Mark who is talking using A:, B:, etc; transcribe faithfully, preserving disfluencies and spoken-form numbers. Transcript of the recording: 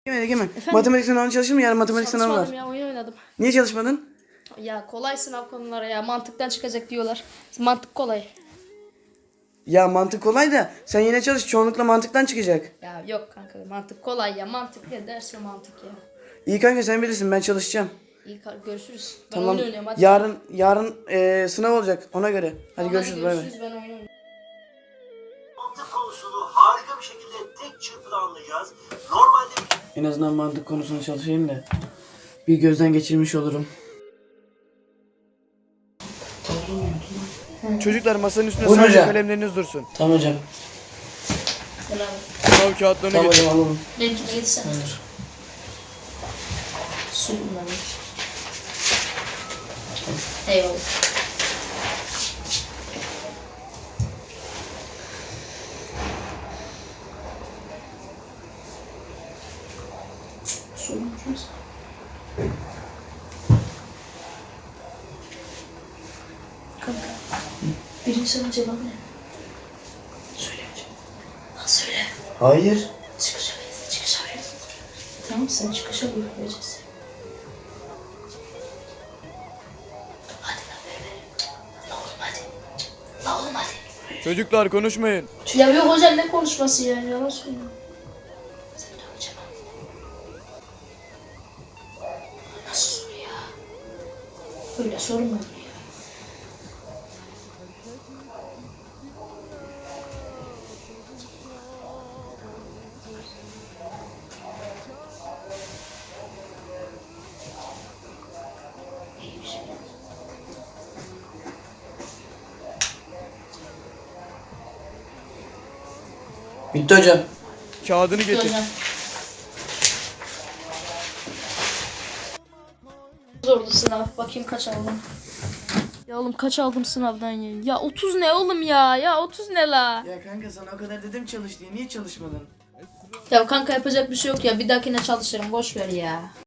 A: Egemen, Egemen.
B: Efendim?
A: Matematik sınavına çalışır mı? Yarın matematik sınavı var.
B: Çalışmadım ya, oyun oynadım.
A: Niye çalışmadın?
B: Ya kolay sınav konuları ya, mantıktan çıkacak diyorlar. Mantık kolay.
A: Ya mantık kolay da sen yine çalış. Çoğunlukla mantıktan çıkacak.
B: Ya yok kanka, mantık kolay ya, mantık ya, ders ve mantık ya.
A: İyi kanka, sen bilirsin, ben çalışacağım.
B: İyi kar- görüşürüz. Ben
A: Tamam.
B: oyun oynuyorum hadi.
A: Yarın yarın eee, sınav olacak ona göre. Hadi
B: Tamam,
A: görüşürüz. Bay bay.
B: görüşürüz, ben oyun oynuyorum.
C: Mantık konusunu harika bir şekilde tek çırpıda anlayacağız. Normalde
A: En azından mantık konusunu çalışayım da bir gözden geçirmiş olurum. Çocuklar masanın üstünde
D: Buyurun
A: sadece
D: hocam.
A: kalemleriniz dursun.
D: Tamam hocam.
B: Gel abi.
A: Sınav kağıtlarını
D: Tamam
A: getir.
D: hocam alalım.
B: Benimkine gitsen.
D: Hayır.
B: Su bunları. Eyvallah. Su unutmuşuz. Kanka. Birinci sorunun cevabı ne? Söyle hocam. Ha söyle.
D: Hayır.
B: Çıkışa verirsin, çıkışa verirsin. Tamam, sen çıkışa vereceğiz. Hadi lan ver ver. La oğlum hadi. La oğlum hadi.
A: Çocuklar konuşmayın.
B: Ya yok hocam, ne konuşması ya, yalan söylüyor. Sen de hocam. Nasıl soru ya? Böyle soru mu olur ya? İyiymiş.
D: Bitti hocam.
A: Kağıdını getir.
B: Hocam. Zordu sınav. Bakayım kaç aldım. Ya oğlum kaç aldım sınavdan ya? Ya otuz ne oğlum ya? Ya otuz ne la?
A: Ya kanka sana o kadar dedim çalış diye, niye çalışmadın?
B: Ya kanka yapacak bir şey yok ya. Bir dahakine çalışırım. Boş ver ya.